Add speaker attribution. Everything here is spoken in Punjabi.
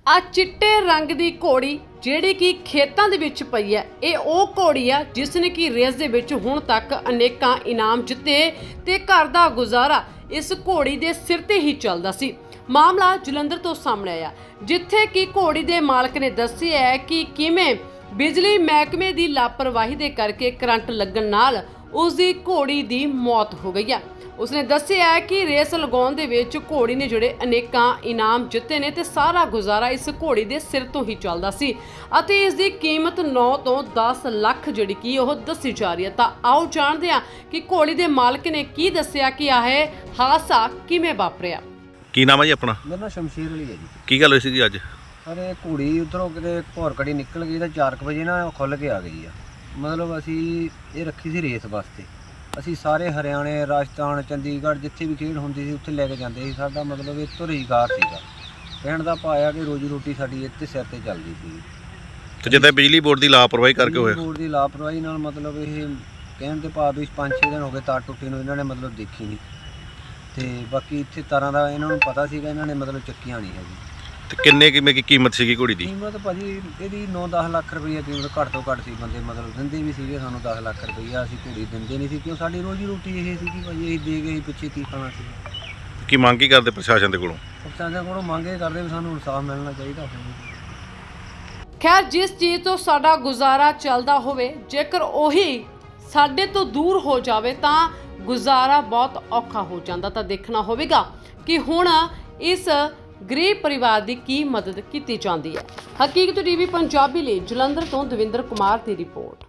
Speaker 1: ਆ ਚਿੱਟੇ ਰੰਗ ਦੀ ਘੋੜੀ ਜਿਹੜੀ ਕਿ ਖੇਤਾਂ ਦੇ ਵਿੱਚ ਪਈ ਹੈ, ਇਹ ਉਹ ਘੋੜੀ ਆ ਜਿਸ ਨੇ ਕਿ ਰੇਸ ਦੇ ਵਿੱਚ ਹੁਣ ਤੱਕ ਅਨੇਕਾਂ ਇਨਾਮ ਜਿੱਤੇ ਤੇ ਘਰ ਦਾ ਗੁਜ਼ਾਰਾ ਇਸ ਘੋੜੀ ਦੇ ਸਿਰ ਤੇ ਹੀ ਚੱਲਦਾ ਸੀ। ਮਾਮਲਾ ਜਲੰਧਰ ਤੋਂ ਸਾਹਮਣੇ ਆਇਆ, ਜਿੱਥੇ ਕਿ ਘੋੜੀ ਦੇ ਮਾਲਕ ਨੇ ਦੱਸਿਆ ਹੈ ਕਿ ਕਿਵੇਂ ਬਿਜਲੀ ਮਹਿਕਮੇ ਦੀ ਲਾਪਰਵਾਹੀ ਦੇ ਕਰਕੇ ਕਰੰਟ ਲੱਗਣ ਨਾਲ ਉਸ ਦੀ ਘੋੜੀ ਦੀ ਮੌਤ ਹੋ ਗਈ ਹੈ। ਉਸਨੇ ਦੱਸਿਆ ਹੈ ਕਿ ਰੇਸ ਲਗਾਉਣ ਦੇ ਵਿੱਚ ਘੋੜੀ ਨੇ ਜਿਹੜੇ ਅਨੇਕਾਂ ਇਨਾਮ ਜਿੱਤੇ ਨੇ ਤੇ ਸਾਰਾ ਗੁਜ਼ਾਰਾ ਇਸ ਘੋੜੀ ਦੇ ਸਿਰ ਤੋਂ ਹੀ ਚੱਲਦਾ ਸੀ ਅਤੇ ਇਸ ਦੀ ਕੀਮਤ 9 ਤੋਂ 10 ਲੱਖ ਜਿਹੜੀ ਕਿ ਉਹ ਦੱਸੀ ਜਾ ਰਹੀ ਹੈ। ਤਾਂ ਆਓ ਜਾਣਦੇ ਹਾਂ ਕਿ ਘੋੜੀ ਦੇ ਮਾਲਕ ਨੇ ਕੀ ਦੱਸਿਆ ਕਿ ਇਹ ਹਾਦਸਾ ਕਿਵੇਂ ਵਾਪਰਿਆ।
Speaker 2: ਕੀ ਨਾਮ ਹੈ ਜੀ ਆਪਣਾ?
Speaker 3: ਮੇਰਾ ਨਾਮ ਸ਼ਮਸ਼ੀਰ ਅਲੀ ਹੈ ਜੀ।
Speaker 2: ਕੀ ਗੱਲ ਹੋਈ ਸੀ ਜੀ ਅੱਜ?
Speaker 3: ਅਰੇ ਘੋੜੀ ਉੱਧਰੋਂ ਕਿਤੇ ਭੌਰਕੜੀ ਨਿਕਲ ਗਈ ਤਾਂ 4 ਵਜੇ ਨਾ ਉਹ ਖੁੱਲ੍ਹ ਕੇ ਆ ਗਈ ਆ। ਮਤਲਬ ਅਸੀਂ ਇਹ ਰੱਖੀ ਸੀ ਰੇਸ ਵਾਸਤੇ। ਅਸੀਂ ਸਾਰੇ ਹਰਿਆਣੇ, ਰਾਜਸਥਾਨ, ਚੰਡੀਗੜ੍ਹ ਜਿੱਥੇ ਵੀ ਖੇਡ ਹੁੰਦੀ ਸੀ ਉੱਥੇ ਲੈ ਕੇ ਜਾਂਦੇ ਸੀ। ਸਾਡਾ ਮਤਲਬ ਇਹ ਤੋਂ ਰੁਜ਼ਗਾਰ ਸੀਗਾ। ਕਹਿਣ ਦਾ ਭਾਵ ਕਿ ਰੋਜੀ ਰੋਟੀ ਸਾਡੀ ਇੱਥੇ ਸਿਰ ਤੇ ਚੱਲਦੀ ਸੀ।
Speaker 2: ਤੇ ਜਿੱਦਾਂ ਬਿਜਲੀ ਬੋਰਡ ਦੀ ਲਾਪਰਵਾਹੀ ਕਰਕੇ ਹੋਇਆ?
Speaker 3: ਬੋਰਡ ਦੀ ਲਾਪਰਵਾਹੀ ਨਾਲ ਮਤਲਬ ਇਹ ਕਹਿਣ ਦੇ ਭਾਵ ਵੀ 5-6 ਦਿਨ ਹੋ ਗਏ ਤਾਰ ਟੁੱਟੀ ਨੂੰ, ਇਹਨਾਂ ਨੇ ਮਤਲਬ ਦੇਖੀ ਨਹੀਂ। ਤੇ ਬਾਕੀ ਇੱਥੇ ਤਾਰਾਂ ਦਾ ਇਹਨਾਂ ਨੂੰ ਪਤਾ ਸੀਗਾ, ਇਹਨਾਂ ਨੇ ਮਤਲਬ ਚੱਕੀਆਂ ਨਹੀਂ ਹੈਗੀ।
Speaker 2: ਤੇ ਕਿੰਨੇ ਕਿਵੇਂ ਕੀ ਕੀਮਤ ਸੀਗੀ ਘੋੜੀ ਦੀ?
Speaker 3: ਕੀਮਤ ਭਾਜੀ ਇਹਦੀ 9-10 ਲੱਖ ਰੁਪਈਆ ਕੀਮਤ ਘੱਟ ਤੋਂ ਘੱਟ ਸੀ। ਬੰਦੇ ਮਤਲਬ ਦਿੰਦੇ ਵੀ ਸੀਗੇ ਸਾਨੂੰ 10 ਲੱਖ ਰੁਪਈਆ, ਅਸੀਂ ਘੋੜੀ ਦਿੰਦੇ ਨਹੀਂ ਸੀ ਕਿਉਂ ਸਾਡੀ ਰੋਜੀ ਰੋਟੀ ਇਹ ਸੀਗੀ ਭਾਜੀ। ਅਸੀਂ ਦੇ ਗਏ ਪਿੱਛੇ ਕੀ ਖਾਣਾ ਸੀ।
Speaker 2: ਕੀ ਮੰਗ ਕੀ ਕਰਦੇ ਪ੍ਰਸ਼ਾਸਨ ਦੇ ਕੋਲੋਂ?
Speaker 3: ਪ੍ਰਸ਼ਾਸਨ ਕੋਲੋਂ ਮੰਗੇ ਕਰਦੇ ਵੀ ਸਾਨੂੰ ਇਨਸਾਫ ਮਿਲਣਾ ਚਾਹੀਦਾ।
Speaker 1: ਖੈਰ, ਜਿਸ ਚੀਜ਼ ਤੋਂ ਸਾਡਾ ਗੁਜ਼ਾਰਾ ਚੱਲਦਾ ਹੋਵੇ, ਜੇਕਰ ਉਹੀ ਸਾਡੇ ਤੋਂ ਦੂਰ ਹੋ ਜਾਵੇ ਤਾਂ ਗੁਜ਼ਾਰਾ ਬਹੁਤ ਔਖਾ ਹੋ ਜਾਂਦਾ। ਤਾਂ ਦੇਖਣਾ ਹੋਵੇਗਾ ਕਿ ਹੁਣ ਇਸ ਗਰੀਬ ਪਰਿਵਾਰ ਦੀ ਕੀ ਮਦਦ ਕੀਤੀ ਜਾਂਦੀ ਹੈ। ਹਕੀਕਤ ਟੀਵੀ ਪੰਜਾਬੀ ਲਈ ਜਲੰਧਰ ਤੋਂ ਦਵਿੰਦਰ ਕੁਮਾਰ ਦੀ ਰਿਪੋਰਟ।